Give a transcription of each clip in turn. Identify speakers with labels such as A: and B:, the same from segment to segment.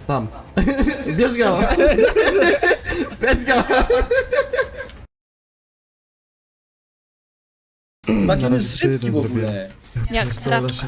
A: Tam. Bierz go! Bierz go!
B: Taki
A: Zaraz
B: jest szybki
A: jeden
B: w ogóle.
A: zrobię.
C: Jak straczka.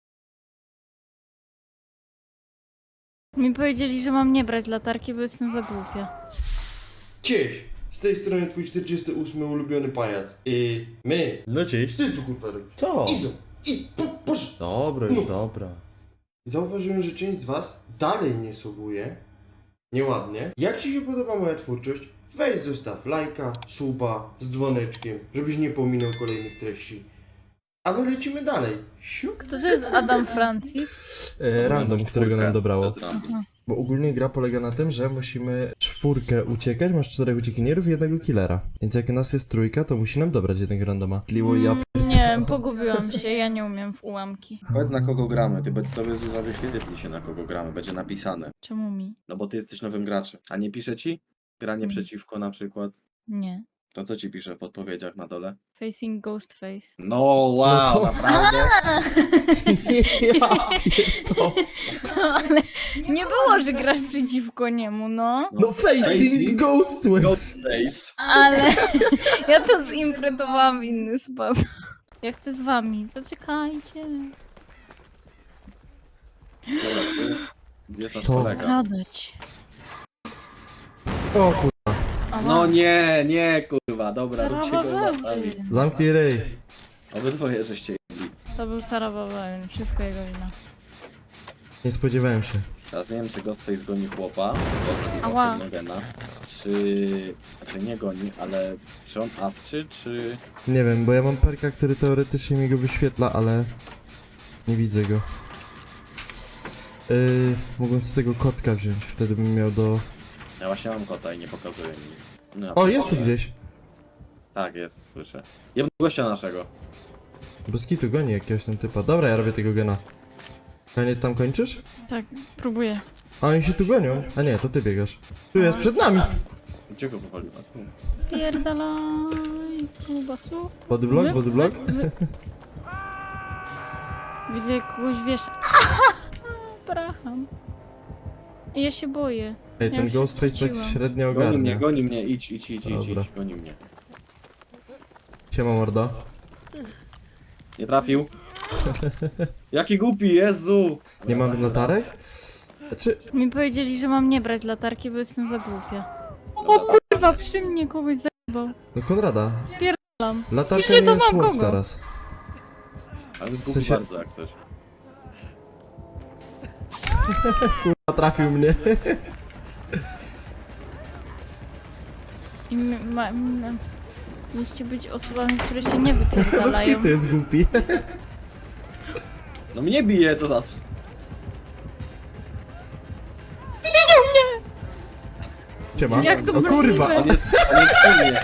C: Mi powiedzieli, że mam nie brać latarki, bo jestem za głupia.
D: Cześć! Z tej strony twój 48 ulubiony pajac. I my.
A: No cześć.
D: Ty tu kurwa robisz?
A: Co?
D: Idą! I poszedł!
A: Dobra, już dobra.
D: Zauważyłem, że część z was dalej nie subuje. Nieładnie. Jak ci się podoba moja twórczość? Weź zostaw lajka, suba z dzwoneczkiem, żebyś nie pominął kolejnych treści. A my lecimy dalej. Siup.
C: Kto to jest Adam Francis?
A: Random, którego nam dobrało.
B: Bez random.
A: Bo ogólnie gra polega na tym, że musimy 4 uciekać, masz 4 uciekinierów i 1 killera. Więc jak nas jest 3, to musi nam dobrać jednego randoma. Tliło ja...
C: Nie, pogubiłam się, ja nie umiem w ułamki.
B: Powiedz na kogo gramy, tobie Zuza wyświetli się na kogo gramy, będzie napisane.
C: Czemu mi?
B: No bo ty jesteś nowym graczem. A nie pisze ci? Granie
C: Mm.
B: przeciwko na przykład.
C: Nie.
B: To co ci pisze w podpowiedziach na dole?
C: Facing Ghostface.
B: No wow,
A: No to-
B: naprawdę?
A: ja pierdolę.
C: No ale nie było, że grasz przeciwko niemu, no.
A: No facing Ghost
B: Ghost Days.
C: Ale ja to zinterpretowałam w inny sposób. Ja chcę z wami, zaczekajcie.
B: Dobra, to jest... Gdzie jest nasz
A: Co?
B: kolega?
C: Skradać.
A: O kur...
B: No nie, kurwa, dobra, róbcie go
C: Sarabawełny.
B: łapami.
A: Zamknij ryj.
B: Obydwoje żeście jedli.
C: To był Sarabawełny, wszystko jego wina.
A: Nie spodziewałem się.
B: Teraz nie wiem, czy Ghostface goni chłopa,
C: Ała.
B: czy Gena, czy... Znaczy nie goni, ale czy on awczy, czy...
A: Nie wiem, bo ja mam perka, który teoretycznie mi go wyświetla, ale... Nie widzę go. Mogłem z tego kotka wziąć, wtedy bym miał do...
B: Ja właśnie mam kota i nie pokazuje mi. No,
A: O, jest tu gdzieś!
B: Tak, jest, słyszę. Jebno gościa naszego.
A: Bez kitu goni jakiegoś tam typa. Dobra, ja robię tego gena. A nie tam kończysz?
C: Tak, próbuję.
A: A oni się tu gonią. A nie, to ty biegasz. Tu jest, przed nami!
B: Gdzie go powaliła? Tu.
C: Pierdalaj, kubasu.
A: Bodyblock, bodyblock.
C: Widzę jak kogoś wiesza. Braham. I ja się boję.
A: Ej,
C: Ja
A: ten
C: już
A: Ghostface tak
C: straciłam.
A: średnio
B: Goni
A: ogarnia.
B: mnie, idź,
A: Dobra.
B: goni mnie.
A: Siema mordo.
B: Nie trafił. Jaki głupi, Jezu!
A: Nie mam latarek? Znaczy...
C: Mi powiedzieli, że mam nie brać latarki, bo jestem za głupia.
B: Dobra,
C: Kurwa, przy mnie kogoś zajebał.
A: No Konrada.
C: Spierdalam.
A: Latarka
C: Wiecie,
A: nie
C: to
A: jest
C: mam
A: słów
C: kogo?
A: teraz.
B: ale jest
A: W
B: głupi
A: sensie-
B: bardzo jak coś.
A: A trafił mnie.
C: I mieliście być osobami, które się nie
A: Bez
C: wypierdalają.
A: kitu jest głupi.
B: No mnie bije, co za...
A: Siema.
C: Jak to
A: O kurwa!
C: możliwe?
B: On jest przy mnie.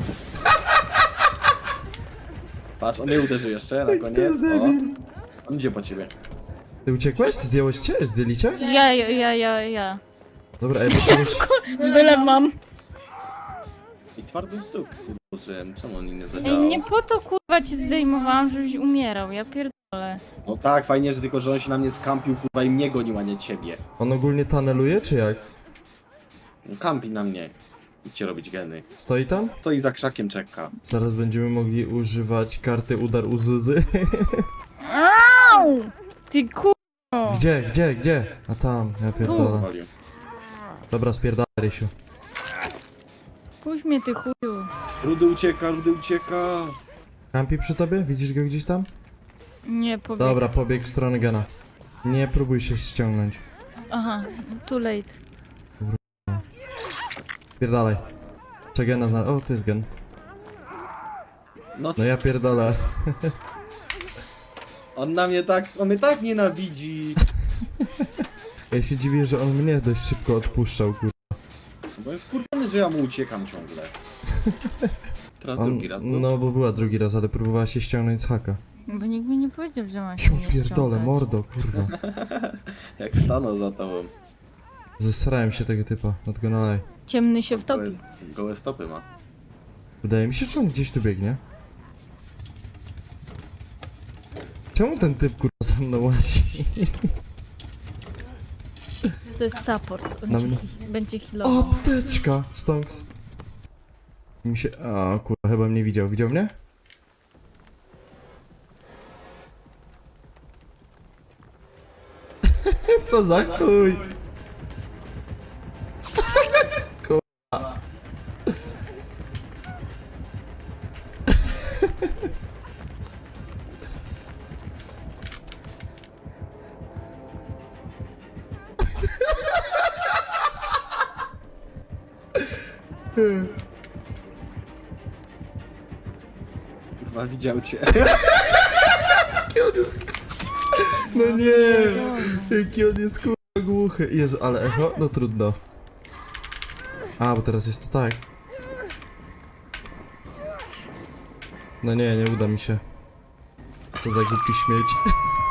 B: Patrz, on mnie uderzy jeszcze na koniec.
A: jest
B: O.
A: debil.
B: On idzie po ciebie.
A: Ty uciekłeś? Zdjąłeś cię? Zdjęli cię?
C: Ja.
A: Dobra, ej, bo czegoś...
C: Wylew mam.
B: I twardy stóp. Użyłem, czemu on nie
C: Ej,
B: zadziałał?
C: nie po to kurwa cię zdejmowałam, żebyś umierał, ja pierdolę.
B: No tak, fajnie, że tylko, że on się na mnie skampił, kurwa, i mnie gonił, a nie ciebie.
A: On ogólnie tuneluje, czy jak?
B: No, kampi na mnie. Idźcie robić geny.
A: Stoi tam?
B: To i za krzakiem czeka.
A: Zaraz będziemy mogli używać karty udar u Zuzy.
C: Au! Ty kurwa.
A: Gdzie? A tam, ja pierdolę.
B: Walił.
A: Dobra, spierdalaj, Rysiu.
C: Puść mnie ty chuju.
B: Rudy ucieka.
A: Kampi przy tobie? Widzisz go gdzieś tam?
C: Nie pobieg.
A: Dobra, pobieg w stronę Gena. Nie próbuj się ściągnąć.
C: Aha, too late.
A: Spierdalaj. Czy Gena zna... O, to jest Gen.
B: No,
A: No ja pierdolę.
B: on mnie tak nienawidzi.
A: Ja się dziwię, że on mnie dość szybko odpuszczał, kur...
B: Bo jest kurwiony, że ja mu uciekam ciągle. Teraz
A: On...
B: drugi raz był.
A: No, bo była drugi raz, ale próbowała się ściągnąć z haka.
C: Bo nikt mi nie powiedział, że mam się
A: Ja
C: nie
A: pierdolę,
C: ściągać.
A: mordo, kurwa.
B: Jak stanął za tobą.
A: Zesrałem się tego typa, not gonna lie.
C: Ciemny się wtopi.
B: Gołe stopy ma.
A: Wydaje mi się, czy on gdzieś tu biegnie. Czemu ten typ kurwa za mną łazi?
C: To jest support.
A: Na mnie.
C: Będzie healował.
A: Apteczka! Stonks. Mi się... A kurwa, chyba mnie widział. Widział mnie? Co za chuj! Kurwa.
B: Kurwa, widział cię.
A: No nie! Jaki on jest kurwa głuchy. Jezu, ale echo? No trudno. A, bo teraz jest to tak. No nie, nie uda mi się. Co za głupi śmieć.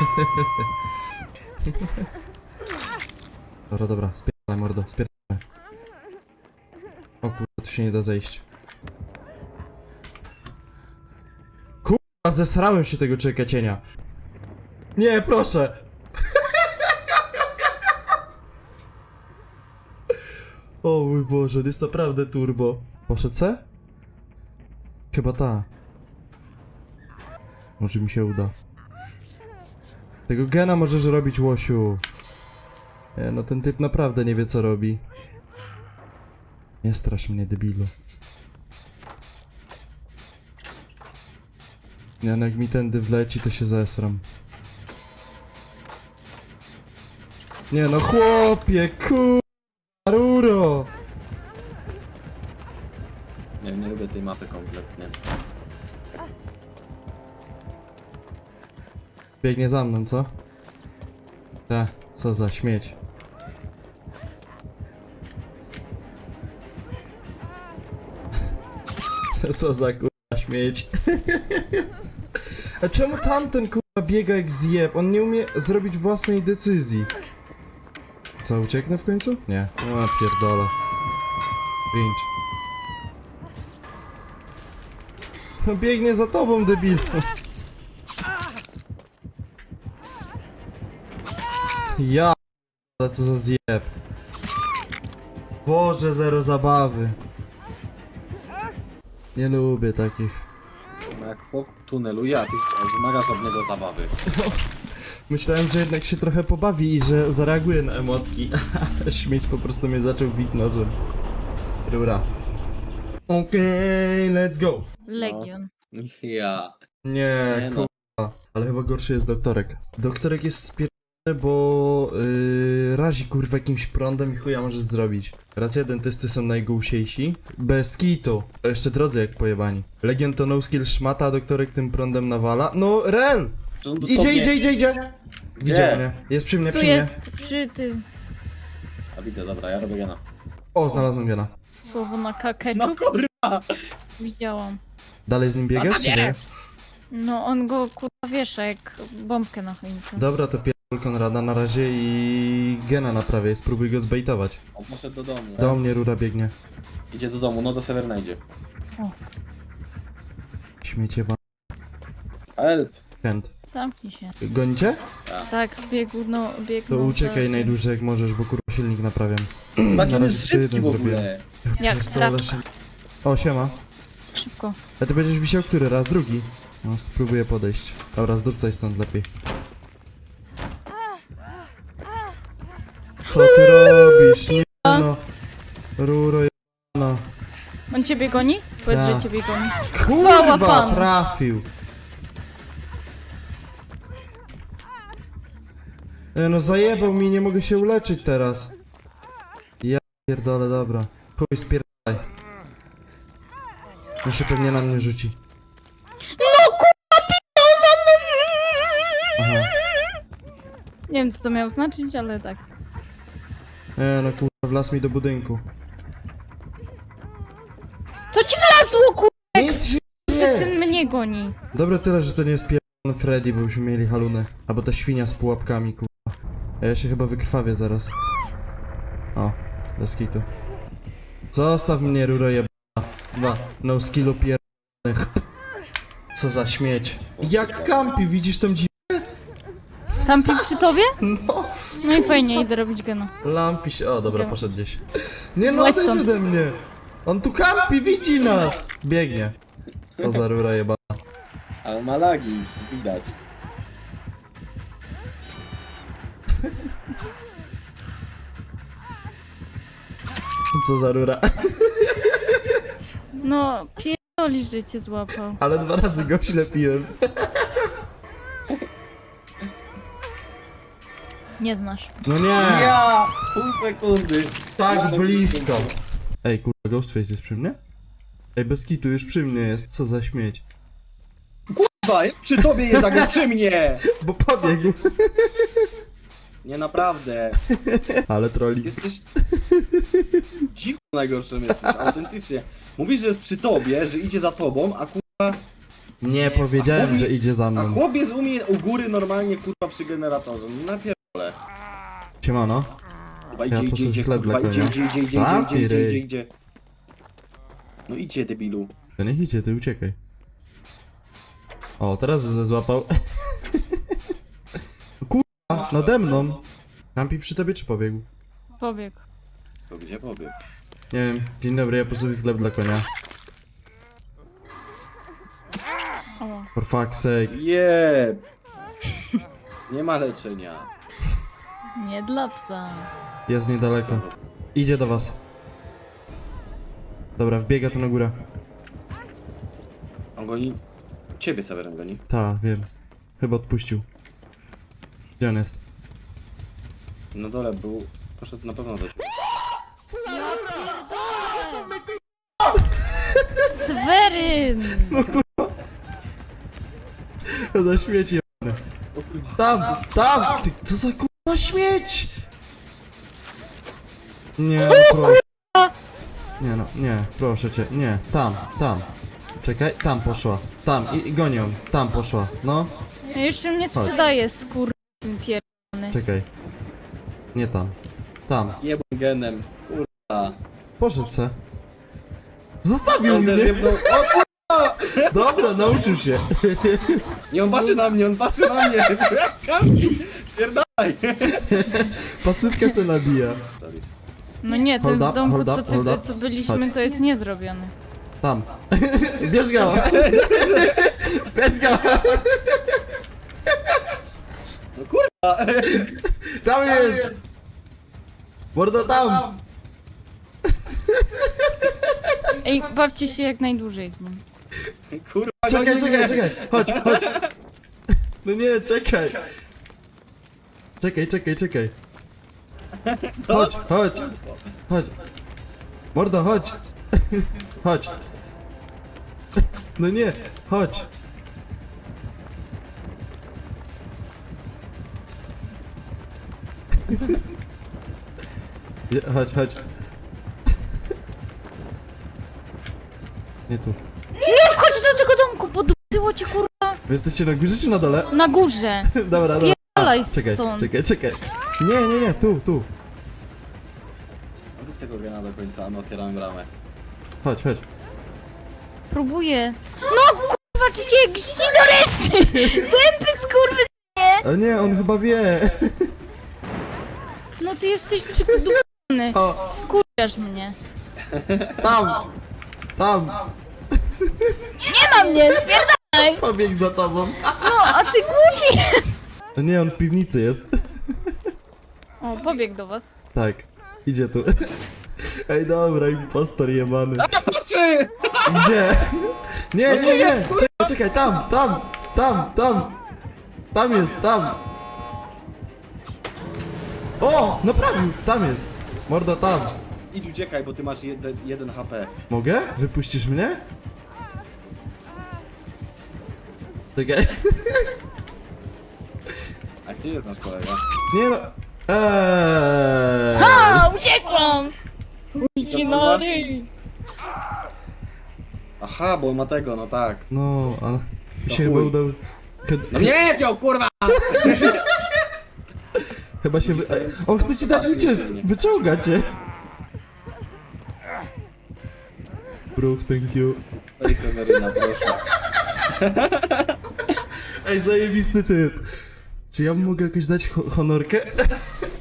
A: Dobra, dobra, spierdalaj mordo, spierdalaj. O kurwa, tu się nie da zejść. Kurwa, zesrałem się tego człowieka cienia. Nie, proszę! O mój Boże, jest naprawdę turbo. Poszedł C? Chyba ta. Może mi się uda. Tego gena możesz robić, łosiu. Nie, no ten typ naprawdę nie wie co robi. Nie strasz mnie, debilu. Nie, no jak mi tędy wleci, to się zesram. Nie no chłopie, ruro!
B: Nie lubię tej mapy kompletnie.
A: Biegnie za mną, co? Co za śmieć. Co za kurwa śmieć. A czemu tamten kurwa biega jak zjeb? On nie umie zrobić własnej decyzji. Co, ucieknę w końcu? Nie. O, pierdolę. Cringe. No biegnie za tobą, debil. Ja, ale co za zjeb. Boże, zero zabawy. Nie lubię takich.
B: No jak chłop tuneluje, a ty wymagasz od niego zabawy.
A: Myślałem, że jednak się trochę pobawi i że zareaguje na emotki. Śmieć po prostu mnie zaczął bić nożem. Rura. Okej, let's go.
C: Legion.
B: Ja.
A: Nie,
B: Nie no.
A: kurwa. Ale chyba gorszy jest doktorek. Doktorek jest spierdolony, bo razi kurwa jakimś prądem i chuja możesz zrobić. Racja, dentysty są najgłusiejsi. Bez kitu. A jeszcze drodzy jak pojebani. Legion to no skill szmata, a doktorek tym prądem nawala. No, rel!
B: Że on
A: Idzie,
B: dosłownie-
A: idzie! Widział mnie. Jest przy mnie,
C: Tu
A: przy mnie.
C: jest przy tym
B: A widzę, dobra, ja robię gena.
A: O, znalazłem gena.
C: słowo na
B: No
C: ketchup.
B: kurwa!
C: Widziałam.
A: Dalej z nim biegasz, czy nie?
C: No on go kurwa wiesza jak bombkę na choince.
A: Dobra, to pierdol Konrada na razie i gena naprawię, spróbuj go zbejtować.
B: On poszedł do domu.
A: Do mnie rura biegnie.
B: Idzie do domu, no do Severna idzie.
A: Śmiecie wam.
B: Help!
A: Chęt.
C: Zamknij się.
A: Gonicie?
C: Tak, biegł, no biegł.
A: To uciekaj najdłużej jak możesz, bo kurwa silnik naprawiam.
B: Taki
A: Na
B: on
A: razie
B: jest
A: jeszcze
B: szybki
A: jeden
B: w ogóle.
C: Jak
A: Pierdolę,
C: sraczka.
A: O, siema.
C: Szybko.
A: A ty będziesz wisiał który raz? Drugi? No, spróbuję podejść. Dobra, zdupcaj stąd lepiej. Co ty robisz? Nie no. Ruro no.
C: On ciebie goni? Powiedz,
A: Tak.
C: że ciebie goni.
A: Kurwa,
C: panu.
A: trafił. No zajebał mi, nie mogę się uleczyć teraz. Ja pierdolę, dobra. Chuj, spierdalaj. On się pewnie na mnie rzuci.
C: No kurwa, pisał za mną!
A: Aha.
C: Nie wiem co to miało znaczyć, ale tak.
A: No kurwa, wlazł mi do budynku.
C: To ci wlazło kurwa!
A: Nic się
C: Syn mnie goni.
A: Dobra, tyle, że to nie jest pierdolony Freddy, bo byśmy mieli halunę. Albo ta świnia z pułapkami, kurwa. A ja się chyba wykrwawię zaraz. O, bez kitu. Zostaw mnie, ruro jebana. No skillu pierdolonych. Co za śmieć. Jak kampi, widzisz tą dziwę?
C: Tampi przy tobie?
A: No,
C: No i fajnie, idę robić gena.
A: Lampi się... O, dobra,
C: Gena.
A: poszedł gdzieś. Nie no,
C: Złaź
A: odejdź
C: stąd.
A: ode mnie! On tu kampi, widzi nas! Biegnie. To za rura jebana.
B: Ale ma lagi, widać.
A: Co za rura.
C: No, pierdolisz, że cię złapał.
A: Ale 2 razy go ślepiłem.
C: Nie znasz.
A: No nie!
B: Ja! Pół sekundy.
A: Tak blisko! Ej, kurwa, Ghostface jest przy mnie? Ej, bez kitu, już przy mnie jest, co za śmieć.
B: Kurwa, jest przy tobie, jest jak przy mnie!
A: Bo pobiegł.
B: Nie, naprawdę.
A: Ale troli.
B: Jesteś... Dziwko najgorszym jesteś, autentycznie. Mówisz, że jest przy tobie, że idzie za tobą, a kurwa...
A: Nie powiedziałem, że idzie za
B: A
A: mną.
B: chłopiec u mnie u góry normalnie kurwa przy generatorze. No napierdolę.
A: Siemano.
B: Kurwa,
A: Ja
B: idzie,
A: po
B: idzie,
A: prostu
B: idzie,
A: chleb
B: kurwa,
A: dla
B: idzie,
A: konia.
B: idzie, idzie, idzie,
A: Zamknij
B: idzie, idzie,
A: ryj.
B: idzie. No idźcie, debilu.
A: To niech idzie, ty uciekaj. O, teraz złapał. Kurwa, nade mną. Kampi przy tobie czy pobiegł?
C: Pobiegł.
B: To gdzie pobiegł?
A: Nie wiem. Dzień dobry, ja po sobie chleb dla konia.
C: O.
A: For fuck's sake.
B: Jeb! Nie ma leczenia.
C: Nie dla psa.
A: Jest niedaleko. Idzie do was. Dobra, wbiega tu na górę.
B: On goni... Ciebie, Seweryn, goni.
A: Ta, wiem. Chyba odpuścił. Gdzie on jest?
B: Na dole był... Poszedł na pewno do ciebie.
C: Sweryn!
A: Za śmieci.
B: O kurwa.
A: Tam! Tam! Ty, co za kurwa śmieć! Nie, no proszę. Nie no, nie, proszę cię, nie. Tam. Czekaj, tam poszła. Tam, i goni ją. Tam poszła, no.
C: Ja jeszcze mnie sprzedaje, skurwysyn pierdolony.
A: Czekaj. Nie tam. Tam.
B: Jebą genem. Kurwa.
A: Poszedł se. Zostawił
B: On też
A: mnie!
B: jebnął... O kurwa!
A: Dobra, nauczył się.
B: Nie, on patrzy na mnie, on patrzy na mnie! Kampi! Spierdalaj!
A: Pasywkę se nabija.
C: No nie, ten
A: Hold up,
C: w domku,
A: hold up, hold up.
C: co byliśmy,
A: Chodź.
C: to jest niezrobiony.
A: Tam. Bierz go! Bierz go!
B: No kurwa!
A: Tam jest! Mordo tam!
C: Ej, bawcie się jak najdłużej z nim.
B: Kurwa,
A: Czekaj,
B: goni mnie.
A: czekaj! Chodź! No nie, czekaj! Czekaj! Chodź! Mordo, chodź! Chodź! No nie, chodź! Chodź! Nie tu.
C: Nie wchodź do tego domku, podupcyło cię kurwa.
A: Wy jesteście na górze czy na dole?
C: Na górze.
A: Dobra.
C: Spierdalaj
A: Czekaj.
C: stąd.
A: Nie, tu.
B: Rób tego gena do końca, a my otwieramy bramę.
A: Chodź.
C: Próbuję. No kurwa, czy cię gździ do reszty? Tępy skurwysyn.
A: Ale nie, on chyba wie.
C: No ty jesteś przykudowany.
A: O,
C: Wkurzasz mnie.
A: tam.
C: Nie ma mnie, spierdalaj.
A: Pobiegł za tobą.
C: No, a ty głupi.
A: To nie, on w piwnicy jest.
C: O, pobiegł do was.
A: Tak, idzie tu. Ej, dobra, impostor jebany.
B: Patrzy!
A: Gdzie? Nie. Czekaj, tam. Tam jest. O, naprawił, tam jest. Mordo, tam.
B: Idź uciekaj, bo ty masz 1 HP.
A: Mogę? Wypuścisz mnie? Czekaj.
B: A gdzie jest nasz kolega?
A: Nie no.
C: A, uciekłam.
B: Idź na ryj! Aha, bo on ma tego, no tak.
A: No, ale mi się
B: chuj.
A: chyba udał.
B: No nie wziął, kurwa!
A: Chyba się on chce ci dać uciec! Wyciąga cię! Bro, thank you.
B: Ej, Seweryna, proszę.
A: Ej, zajebisty typ! Czy ja mu mogę jakoś dać honorkę?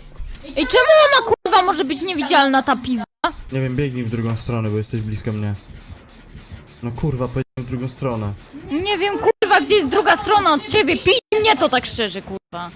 C: Czemu ona kurwa może być niewidzialna, ta pizza?
A: Nie wiem, biegnij w drugą stronę, bo jesteś blisko mnie. No kurwa, powiedziałem w drugą stronę.
C: Nie wiem kurwa, gdzie jest druga strona od ciebie. Pij mnie to tak szczerze, kurwa.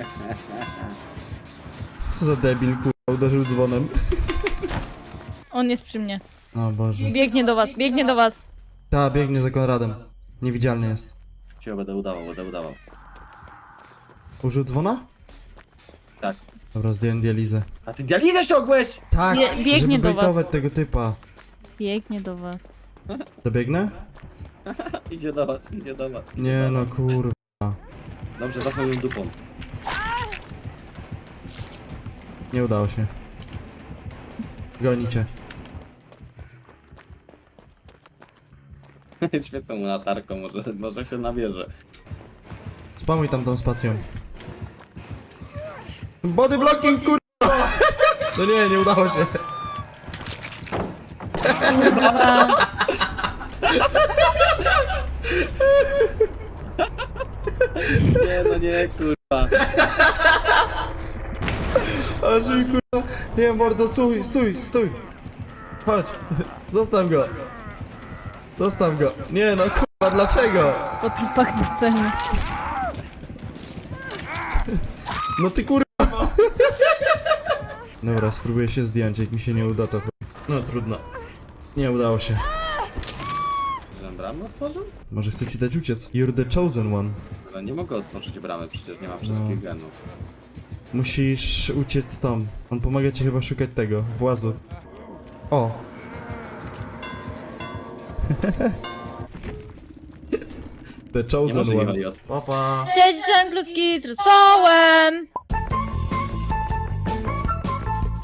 A: Co za debil, kurwa, uderzył dzwonem.
C: On jest przy mnie.
A: O Boże.
C: Biegnie do was, biegnie do was.
A: Ta, biegnie za Konradem. Niewidzialny jest.
B: Cię będę udawał.
A: Użył dzwona?
B: Tak.
A: Dobra, zdjąłem dializę.
B: A ty dializę ściągłeś!
A: Tak,
C: Biegnie
A: żeby
C: do was.
A: bejtować tego typa.
C: Biegnie do was.
A: Dobiegnę?
B: Idzie do was.
A: Nie no, kurwa.
B: Dobrze, za moją dupą.
A: Nie udało się. Gonicie.
B: Świecę mu latarką, może się nabierze.
A: Spamuj tam tą spacją. Body blocking, kurwa! No nie udało się.
B: Nie, kurwa.
A: Aż mi kurwa. Nie, mordo, stój. Chodź. Zostaw go. Nie no, kurwa, dlaczego?
C: Po trupach do sceny.
A: No ty kurwa. Dobra, spróbuję się zdjąć, jak mi się nie uda to no trudno. Nie udało się.
B: Że bramę otworzył?
A: Może chcę ci dać uciec. You're the chosen one.
B: Ale nie mogę otworzyć bramy, przecież nie mam wszystkich genów.
A: Musisz uciec stąd. On pomaga ci chyba szukać tego, włazu. O! The
B: Nie
A: chosen
B: może nie
A: one.
B: chodzi o
D: Papa.
C: Cześć, dżungluski z rosołem!